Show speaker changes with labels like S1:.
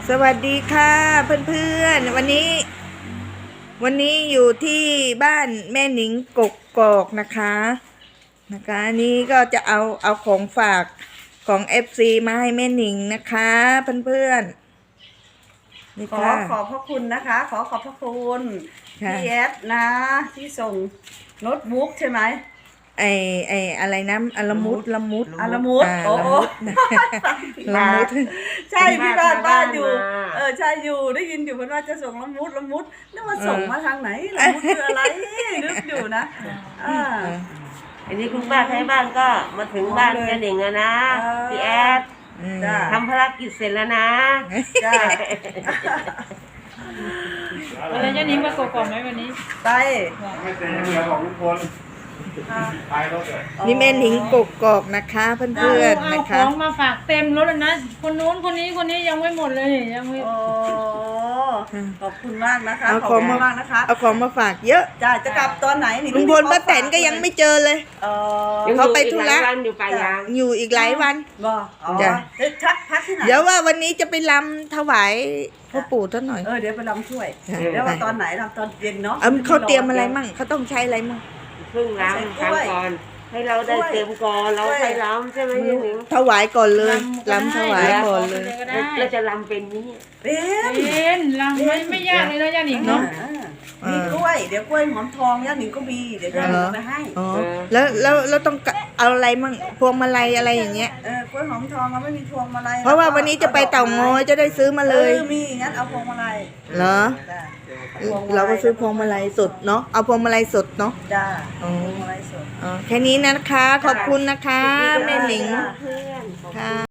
S1: สวัสดีค่ะเพื่อนๆวันนี้อยู่ที่บ้านแม่หนิงกกอกนะคะอันนี้ก็จะเอาของฝากของ FC มาให้แม่หนิงนะคะเพื่อนๆนี่ค่ะ
S2: ขอบพระคุณนะคะขอบพระคุณ
S1: ค่ะ
S2: พี่แอดนะที่ส่งโน้ตบุ๊กใช่ไหม
S1: ไออะไรนะละมุด
S2: ละมุด
S1: อ่า
S2: โอ้
S1: ละมุด
S2: ใช่พี่บ้านอยู่
S3: มา
S2: ใช่อยู่ได้ยินอยู่เพื่อนว่าจะส่งละมุดนึกว่าส่งมาทางไหนละมุดคืออะไรนึกอยู่นะ
S3: อันนี้คุณป้าไทยบ้านก็มาถึงบ้าน
S2: เลย
S3: เจหนิงแล้วนะ
S2: เออ
S3: พี่แอด
S2: จ้า
S3: ทำภารกิจเสร็จแล้วนะ
S2: จ้า
S4: วันนี้เจ้านิ้งมากกอกไหมวันนี้
S2: ไป
S5: ไม่เต็มเรือของทุกคนไปรถเลย
S1: นี่แม่หนิงกกอกนะคะเพื่อนๆ
S4: เอา
S1: นะ
S4: ข
S1: คะ
S4: องมาฝากเต็มรถแล้วนะคนนู้นคนนี้ยังไม่หมดเลยยังไม่
S2: โอ้ขอบคุณมากนะคะ
S1: เอา
S2: ขอบ
S1: ของ
S2: คุณ
S1: มาม
S2: ากนะคะ
S1: เอาของมาฝากเยอะ
S2: จ้าจะกลับตอนไหนนี่
S1: ลุงพลป้าแตนก็ยังไม่เจอเลย เขาไปธุระ
S3: ยังอยู่อีกหลายวันอยู่ป่ายาง
S1: อยู่อีกหลายวัน
S2: บ่อ๋อ
S1: จ้ะ
S2: พักที่ไหน
S1: เดี๋ยวว่าวันนี้จะไปรำถวายพ่อปู่ท่านหน่อย
S2: เดี๋ยวไปรำช่วย
S1: จ้ะ
S2: เดี๋ยวว่าตอนไหนรำตอนเย็นเนาะ
S1: เขาเตรียมอะไรมั่งเขาต้องใช้อะไรมั่ง
S3: เพิ่งล้างทำก่อน ให้เราได้เต็มก่อนเราไปล้ำใช่ไหมเจหนิง
S1: ถวายก่อนเลยรำถวายก่อนเลย
S4: ก็ได้
S3: เราจะลำเป็นนี้
S2: เป็น
S4: เป็นลำไม่ยากเลยนะเจ้านิ้งเนาะ
S2: มีกล้วยเดี๋ยวกล้วยหอมทองย่าหนิงก็มีเดี๋ยวย่าหนิงเอาไปให้
S1: อ๋อแล้วต้องเอาอะไรมั่งพวงมาลัยอะไรอย่างเงี้ย
S2: กล้วยหอมทองเราไม่มีพวงมาลัย
S1: เพราะว่าวันนี้จะไปเต่างอยจะได้ซื้อมาเลย
S2: มีงั้นเอาพวงมาลัย
S1: เหรอ
S2: จ้ะ
S1: เราก็ซื้อพวงมาลัยสดเนาะเอาพวงมาลัยสดเนาะ
S2: จ้า
S1: อ๋อ
S2: พวงมาลัยสด
S1: อ๋อแค่นี้นะคะขอบคุณนะคะแม่หนิง
S2: จ้า
S3: เพื่อน
S1: ค่ะ